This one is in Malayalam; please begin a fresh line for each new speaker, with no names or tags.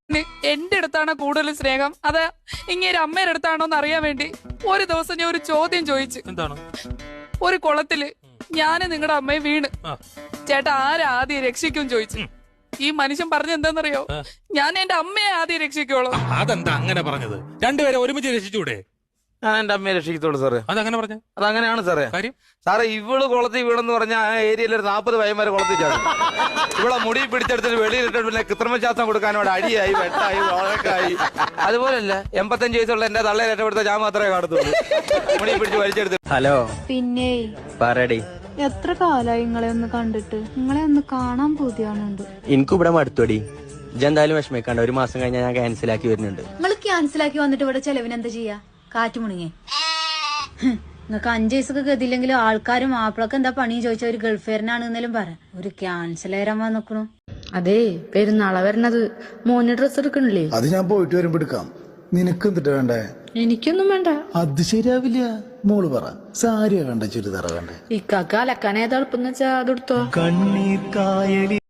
എന്റെ അടുത്താണ് കൂടുതൽ സ്നേഹം അത് ഇങ്ങനെ അമ്മയുടെ അടുത്താണോ എന്ന് അറിയാൻ വേണ്ടി ഒരു ദിവസം ഞാൻ ഒരു ചോദ്യം ചോദിച്ചു.
എന്താണ്?
ഒരു കുളത്തില് ഞാന് നിങ്ങളുടെ അമ്മയെ വീണ് ചേട്ടാ ആദ്യം രക്ഷിക്കും ചോദിച്ചു. ഈ മനുഷ്യൻ പറഞ്ഞ എന്താന്നറിയോ? ഞാൻ എന്റെ അമ്മയെ ആദ്യം രക്ഷിക്കുള്ളൂ.
അതെന്താ അങ്ങനെ പറഞ്ഞത്? രണ്ടുപേരെ ഒരുമിച്ച് രക്ഷിച്ചൂടെ?
ഞാൻ എന്റെ അമ്മയെ രക്ഷിക്കത്തോളൂ സാറേ.
അതങ്ങനെ പറഞ്ഞു?
അതങ്ങനെയാണ് സാറേ.
കാര്യം
സാറേ ഇവള് കുളത്തിൽ വീണെന്ന് പറഞ്ഞാൽ ആ ഏരിയയിൽ ഒരു 40 പയ്യന്മാരെ കുളത്തിൽ ചാടും. ഇവിടെ മുടി പിടിച്ചെടുത്തിട്ട് വെളിയിലിട്ട് പിന്നെ കൃത്രിമശ്വാസം കൊടുക്കാനോട് അടിയായി വെട്ടായി വഴക്കായി. അതുപോലല്ല 85 വയസ്സുള്ള എന്റെ തള്ളയെ രക്ഷപ്പെടുത്ത ഞാൻ മാത്രമേ കാണത്തുള്ളൂ. മുടി പിടിച്ച് വലിച്ചെടുത്ത്.
ഹലോ
പിന്നെ
പറയടി.
എത്ര കാലായി നിങ്ങളെ ഒന്ന് കണ്ടിട്ട്? നിങ്ങളെ ഒന്ന് കാണാൻ പൂതിയാണുണ്ട്.
എനിക്കിവിടെ മടുത്തോടി. ഇജെന്തായാലും വിഷമിക്കാണ്ട്, ഒരു മാസം കഴിഞ്ഞാൽ ഞാൻ ക്യാൻസലാക്കി വരുന്നുണ്ട്.
നിങ്ങൾ ക്യാൻസലാക്കി വന്നിട്ട് ഇവിടെ ചെലവിന് എന്താ ചെയ്യാ? കാറ്റ് മുണിങ്ങേ. നിങ്ങൾക്ക് 5 വയസ്സൊക്കെ ഗതിയില്ലെങ്കിലും ആൾക്കാരും മാപ്പിളൊക്കെ എന്താ പണി ചോദിച്ചാൽ ഒരു ഗൾഫേരനാണ് എന്നാലും പറ. ഒരു ക്യാൻസൽ ചെയ്യാൻ വന്നിക്കണു.
അതെ പെരുന്നാളാ വരണത്. മോന് ഡ്രസ് എടുക്കണില്ലേ?
അത് ഞാൻ പോയിട്ട് വരുമ്പോ എടുക്കാം. നിനക്ക് എന്തിട്ട് വേണ്ടേ?
എനിക്കൊന്നും വേണ്ട.
അത് ശരിയാവില്ല. മോള് പറ, സാരിയാ വേണ്ട ചുരിദാറ വേണ്ടേ?
ഇക്കാക്ക് അലക്കാൻ ഏതാ എളുപ്പം വെച്ചാ അതെടുത്തോ.
കണ്ണീർ കായലി